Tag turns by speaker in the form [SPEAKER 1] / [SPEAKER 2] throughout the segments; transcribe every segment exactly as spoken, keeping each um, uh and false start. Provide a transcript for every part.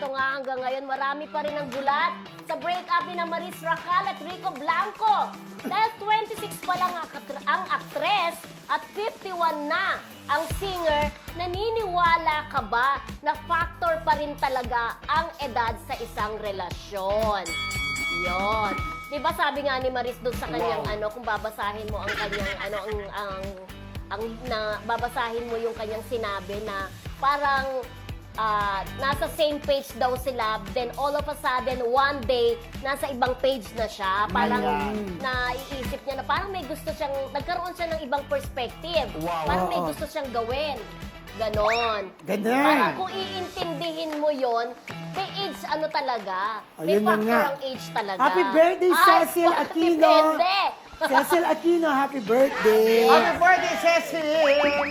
[SPEAKER 1] ito nga hanggang ngayon, marami pa rin ang gulat sa break-up ni na Maris Racal at Rico Blanco. Dahil twenty-six pa lang ang akt- ang aktres at fifty-one na ang singer, naniniwala ka ba na factor pa rin talaga ang edad sa isang relasyon? Yon. 'Di ba sabi nga ni Maris doon sa kanyang
[SPEAKER 2] Wow.
[SPEAKER 1] ano, kung babasahin mo ang kanyang ano ang ang ang na babasahin mo yung kanyang sinabi na parang ah, nasa same page daw sila, then all of a sudden one day nasa ibang page na siya, parang
[SPEAKER 2] Ayan.
[SPEAKER 1] naiisip niya na parang may gusto siyang nagkaroon siya ng ibang perspective,
[SPEAKER 2] Wow.
[SPEAKER 1] parang may
[SPEAKER 3] Oo.
[SPEAKER 1] gusto siyang gawin. Ganon.
[SPEAKER 3] Ganon.
[SPEAKER 1] Parang kung iintindihin mo yon, may age ano talaga. May
[SPEAKER 3] Ayun na
[SPEAKER 1] factor
[SPEAKER 3] nga.
[SPEAKER 1] ang age talaga.
[SPEAKER 3] Happy birthday,
[SPEAKER 1] Ay,
[SPEAKER 3] Cecil
[SPEAKER 1] bakit
[SPEAKER 3] Aquino.
[SPEAKER 1] Depende.
[SPEAKER 3] Cecil Aquino, happy birthday!
[SPEAKER 2] Happy birthday, Cecil!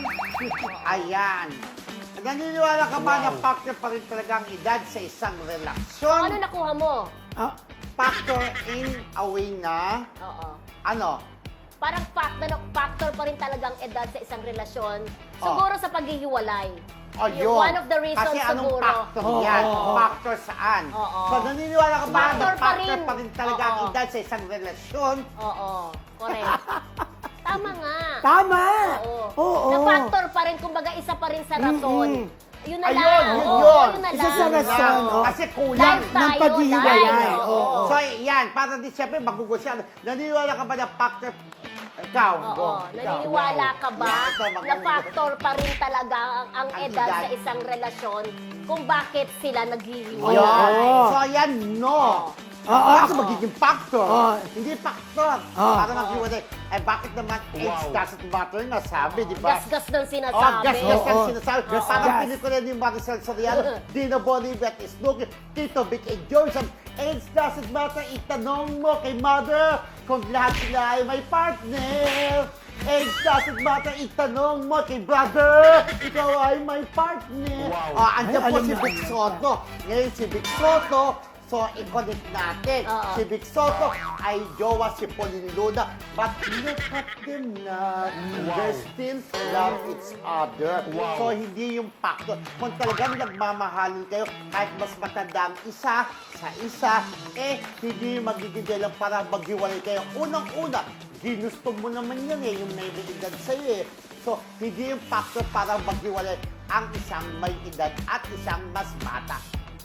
[SPEAKER 2] Ayan. Naniniwala ka ba na factor pa rin talaga ang edad sa isang
[SPEAKER 1] Ano
[SPEAKER 2] relasyon?
[SPEAKER 1] nakuha mo?
[SPEAKER 3] Ah,
[SPEAKER 2] Factor in a way na,
[SPEAKER 1] Oo.
[SPEAKER 2] ano?
[SPEAKER 1] Parang factor, factor pa rin talagang edad sa isang relasyon.
[SPEAKER 2] Oh.
[SPEAKER 1] Siguro sa paghihiwalay.
[SPEAKER 2] O
[SPEAKER 1] Yung
[SPEAKER 2] yun.
[SPEAKER 1] one of the reasons
[SPEAKER 2] Kasi anong
[SPEAKER 1] siguro.
[SPEAKER 2] factor
[SPEAKER 3] Oo,
[SPEAKER 2] yan?
[SPEAKER 3] oo, oo.
[SPEAKER 2] Factor saan?
[SPEAKER 1] Oo.
[SPEAKER 2] So naniniwala ka ba
[SPEAKER 1] Factor
[SPEAKER 2] na
[SPEAKER 1] pa
[SPEAKER 2] factor
[SPEAKER 1] rin.
[SPEAKER 2] pa rin talaga ang
[SPEAKER 1] Oo.
[SPEAKER 2] edad sa isang relasyon?
[SPEAKER 1] Oo. Correct. Tama nga.
[SPEAKER 3] tama!
[SPEAKER 1] Oo.
[SPEAKER 3] Oo.
[SPEAKER 1] Na factor pa rin, kumbaga isa pa rin sa rason.
[SPEAKER 3] Mm-mm.
[SPEAKER 1] Yun na
[SPEAKER 2] Ayun,
[SPEAKER 1] lang.
[SPEAKER 2] yun
[SPEAKER 1] Oo,
[SPEAKER 2] yun.
[SPEAKER 1] yun na
[SPEAKER 3] Isa
[SPEAKER 1] lang.
[SPEAKER 3] sa rason. oo.
[SPEAKER 2] Kasi kulang.
[SPEAKER 1] Life
[SPEAKER 3] ng
[SPEAKER 1] tayo,
[SPEAKER 3] paghihiwalay.
[SPEAKER 1] life.
[SPEAKER 3] Oo.
[SPEAKER 2] So, yan. Para di siyempre, magugusya. Naniniwala ka ba na factor? Ikaw,
[SPEAKER 1] Oo.
[SPEAKER 2] go. Ikaw,
[SPEAKER 1] Naniniwala
[SPEAKER 2] wow.
[SPEAKER 1] ka ba
[SPEAKER 2] Yan, ito,
[SPEAKER 1] na
[SPEAKER 2] magugusya.
[SPEAKER 1] factor pa rin talaga ang, ang
[SPEAKER 2] Ang
[SPEAKER 1] edad
[SPEAKER 2] edad.
[SPEAKER 1] sa isang relasyon kung bakit sila naghihiwalay?
[SPEAKER 3] Oo.
[SPEAKER 2] So, yan, no.
[SPEAKER 3] Oo,
[SPEAKER 2] Kasi
[SPEAKER 3] ako-
[SPEAKER 2] magiging factor.
[SPEAKER 3] Oo.
[SPEAKER 2] Hindi factor.
[SPEAKER 3] Oo.
[SPEAKER 2] Para maghiwalay. Eh, bakit naman age doesn't matter na sabi, di ba?
[SPEAKER 1] Gasgas ng
[SPEAKER 2] Oh,
[SPEAKER 1] sinasabi.
[SPEAKER 2] gas, gas, gas,
[SPEAKER 3] Oo.
[SPEAKER 2] sinasabi.
[SPEAKER 3] Gas,
[SPEAKER 2] Parang
[SPEAKER 3] gas.
[SPEAKER 2] pelikula ni Maricel Soriano, Dino Bolivar, Snooki, Tito Vic, and Johnson. Age doesn't matter. Itanong mo kay mother kung lahat sila ay may partner. Age doesn't matter. Itanong mo kay brother, ikaw ay may partner.
[SPEAKER 3] Wow.
[SPEAKER 2] Ah, andyan
[SPEAKER 3] Ay,
[SPEAKER 2] po
[SPEAKER 3] alam
[SPEAKER 2] si
[SPEAKER 3] na,
[SPEAKER 2] Vic
[SPEAKER 3] alam
[SPEAKER 2] Soto. Ngayon si Vic Soto, so i-connect natin.
[SPEAKER 1] Oo.
[SPEAKER 2] Si Vic Soto ay jowa si Pauline Luna. But look at them now. They still love each other. So hindi yung factor. Kung talagang nagmamahalin kayo, kahit mas matanda ang isa sa isa, eh hindi magiging dahilan para maghiwalay kayo. Unang-una, ginusto mo naman yan eh, yung may edad sa'yo eh. So, hindi yung factor para maghiwalay ang isang may edad at isang mas bata.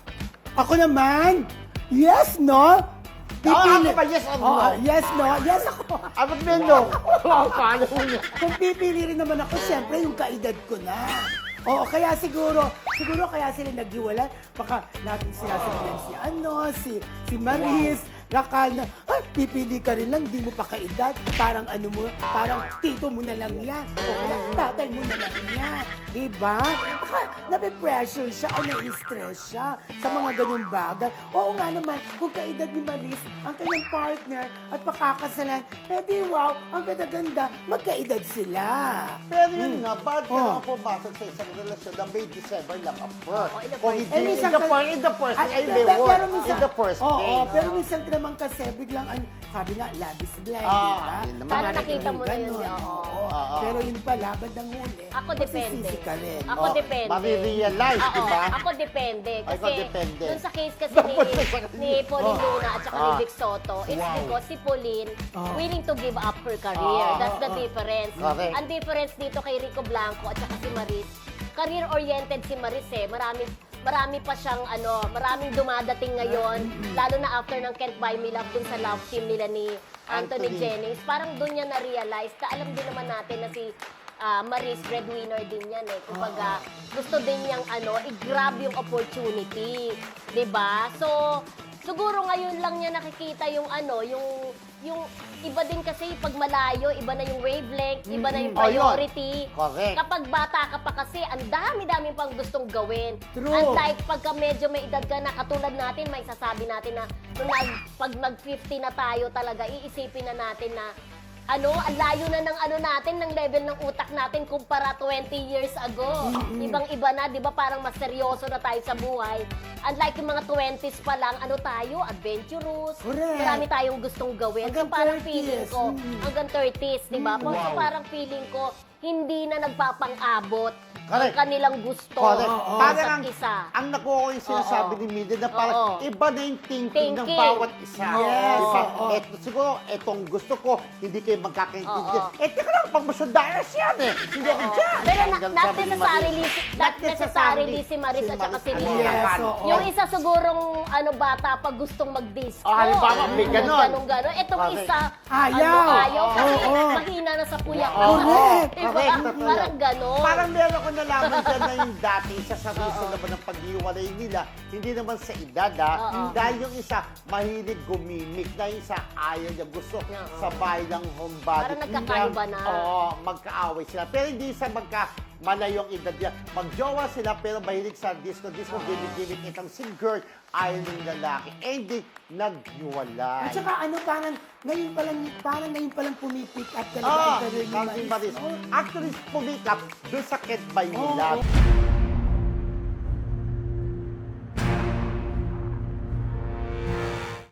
[SPEAKER 3] Ako naman, yes, no?
[SPEAKER 2] Oo, ako ba, yes or no?
[SPEAKER 3] Oo, yes, no? Yes ako.
[SPEAKER 2] Ah, ba't may no? Paano mo niya?
[SPEAKER 3] Kung pipili rin naman ako, siyempre yung kaedad ko na. Oo, kaya siguro, siguro kaya sila naghiwalay. Baka natin sinasabihan si ano, si, si Maris, Racal na, ay, pipili ka rin lang, di mo pa kaedad. Parang ano mo, parang tito mo na lang yan. O kaya tatay mo na lang yan. Diba? Baka nape-pressure siya o na-stress siya sa mga ganyung bagay. Oo nga naman, kung kaedad ni Maris, ang kanyang partner at pakakasalan, eh di wow, ang ganda-ganda, magkaedad sila.
[SPEAKER 2] Pero yun nga, bakit ka
[SPEAKER 3] Oh.
[SPEAKER 2] naman pumasok sa isang relasyon na may December lang apart?
[SPEAKER 1] Oh, in the
[SPEAKER 2] Kung
[SPEAKER 1] first
[SPEAKER 2] hindi,
[SPEAKER 3] Eh,
[SPEAKER 2] in
[SPEAKER 3] minsan
[SPEAKER 2] the
[SPEAKER 3] ka-
[SPEAKER 2] first, in the first,
[SPEAKER 3] Ay,
[SPEAKER 2] ay,
[SPEAKER 3] pero-
[SPEAKER 2] may
[SPEAKER 3] pero
[SPEAKER 2] word,
[SPEAKER 3] minsan-
[SPEAKER 2] in the first
[SPEAKER 3] Oo,
[SPEAKER 2] place.
[SPEAKER 3] pero minsan naman kasi biglang, ano, sabi nga, love is blind,
[SPEAKER 2] Ah,
[SPEAKER 3] di ba?
[SPEAKER 2] yun naman.
[SPEAKER 1] Sana
[SPEAKER 3] Parang
[SPEAKER 1] nakita mo na yun,
[SPEAKER 3] ganun,
[SPEAKER 1] oo.
[SPEAKER 3] oo.
[SPEAKER 2] Oo.
[SPEAKER 3] Pero yun pala, bandang huli,
[SPEAKER 1] Ako depende.
[SPEAKER 3] magsisisi ka rin.
[SPEAKER 1] Ako
[SPEAKER 2] Oh,
[SPEAKER 1] depende.
[SPEAKER 2] marirealize,
[SPEAKER 1] Oo,
[SPEAKER 2] di ba?
[SPEAKER 1] Ako depende.
[SPEAKER 2] Ay,
[SPEAKER 1] Kasi
[SPEAKER 2] ikaw depende.
[SPEAKER 1] dun sa case kasi
[SPEAKER 2] Dapat
[SPEAKER 1] ni,
[SPEAKER 2] sa-
[SPEAKER 1] ni Pauline
[SPEAKER 3] Oh.
[SPEAKER 1] Luna at saka ni
[SPEAKER 2] Ah.
[SPEAKER 1] Vic Soto, it's
[SPEAKER 2] Wow.
[SPEAKER 1] because si Pauline
[SPEAKER 3] Oh.
[SPEAKER 1] willing to give up her career.
[SPEAKER 2] Ah.
[SPEAKER 1] That's the
[SPEAKER 3] Oh, oh.
[SPEAKER 1] difference.
[SPEAKER 2] Correct.
[SPEAKER 1] Ang difference dito kay Rico Blanco at saka si Maris, career-oriented si Maris eh. Marami, marami pa siyang ano, maraming dumadating ngayon, lalo na after ng Can't Buy Me Love dun sa love team nila ni Anthony,
[SPEAKER 2] Anthony.
[SPEAKER 1] Jennings. Parang dun niya na-realize na alam din naman natin na si ah, Maris, breadwinner din yan eh. Kumbaga, gusto din niyang ano, i-grab yung opportunity. 'Di ba? So, siguro ngayon lang niya nakikita yung ano, yung yung iba din kasi pag malayo, iba na yung wavelength, iba na yung
[SPEAKER 2] Oh, yun.
[SPEAKER 1] priority.
[SPEAKER 2] Correct.
[SPEAKER 1] Kapag bata ka pa kasi, ang dami-dami pang gustong gawin.
[SPEAKER 3] True.
[SPEAKER 1] Unlike pagka medyo may edad ka na, katulad natin, may sasabi natin na nung nag, pag mag-fifty na tayo talaga, iisipin na natin na ano, ang layo na ng ano natin, ng level ng utak natin kumpara twenty years ago. Ibang-iba na, di ba? Parang mas seryoso na tayo sa buhay. Unlike yung mga twenties pa lang, ano tayo, adventurous.
[SPEAKER 3] Correct.
[SPEAKER 1] Marami tayong gustong gawin.
[SPEAKER 3] Hanggang
[SPEAKER 1] so parang
[SPEAKER 3] thirties.
[SPEAKER 1] feeling ko,
[SPEAKER 3] Mm.
[SPEAKER 1] hanggang thirties, di ba? So
[SPEAKER 2] Wow.
[SPEAKER 1] parang feeling ko, hindi na nagpapang-abot ang
[SPEAKER 2] Correct.
[SPEAKER 1] kanilang gusto
[SPEAKER 2] Correct.
[SPEAKER 3] Oo.
[SPEAKER 1] sa
[SPEAKER 2] Parang ang,
[SPEAKER 1] isa't isa.
[SPEAKER 2] ang nakuha ko yung sinasabi
[SPEAKER 1] Oo.
[SPEAKER 2] ni Mildred na parang
[SPEAKER 1] Oo.
[SPEAKER 2] iba na yung thinking, ng
[SPEAKER 1] Thinking.
[SPEAKER 2] bawat isa.
[SPEAKER 3] Yes,
[SPEAKER 2] Diba?
[SPEAKER 3] oo.
[SPEAKER 2] Eto, siguro, etong gusto ko, hindi kayo magkakaintindihan.
[SPEAKER 1] Oo.
[SPEAKER 2] Eh, teka lang, pag masyadayas yan eh. Hindi ako dyan.
[SPEAKER 1] Pero na,
[SPEAKER 2] Hanggang
[SPEAKER 1] not
[SPEAKER 2] sabi ni
[SPEAKER 1] necessarily,
[SPEAKER 2] Maris.
[SPEAKER 1] not necessarily si Maris at saka si
[SPEAKER 2] Maris,
[SPEAKER 1] Lina.
[SPEAKER 3] Yes, oo.
[SPEAKER 1] Yung isa sigurong ano bata pag gustong mag-disco.
[SPEAKER 2] Oh, halimbawa, may ganon.
[SPEAKER 1] Ganon-ganon. Itong
[SPEAKER 2] Correct.
[SPEAKER 1] isa,
[SPEAKER 3] Ayaw.
[SPEAKER 1] ano, ayaw. Kasi
[SPEAKER 3] Oo.
[SPEAKER 1] mahina na sa puyak.
[SPEAKER 2] Oo.
[SPEAKER 3] Correct.
[SPEAKER 1] Diba?
[SPEAKER 2] Correct, totoo.
[SPEAKER 1] Parang ganon.
[SPEAKER 2] Parang meron ko nalaman dyan na yung dati, isa sa reason naman ng pag-iwalay nila, hindi naman sa edad ah,
[SPEAKER 1] Oo.
[SPEAKER 2] dahil yung isa mahilig gumimik, na yung isa ayaw niya, gusto
[SPEAKER 1] Oo.
[SPEAKER 2] sa bahay ng homebody.
[SPEAKER 1] Parang nagkakaiba na.
[SPEAKER 2] Oo, magkaaway sila. Pero hindi sa magka malayong edad yan. Magjowa sila pero mahilig sa disco. Disco, gimmick-gimmick itang si girl, ayaw ng lalaki. Eh, hindi, naghiwalay.
[SPEAKER 3] At saka ano, parang ngayon pa lang, parang ngayon pa lang pumipick up talaga
[SPEAKER 2] Ah,
[SPEAKER 3] ang career ni
[SPEAKER 2] Maris.
[SPEAKER 3] Maris.
[SPEAKER 2] Actually, pumikap doon sa Ket by
[SPEAKER 3] Oo.
[SPEAKER 2] Milad.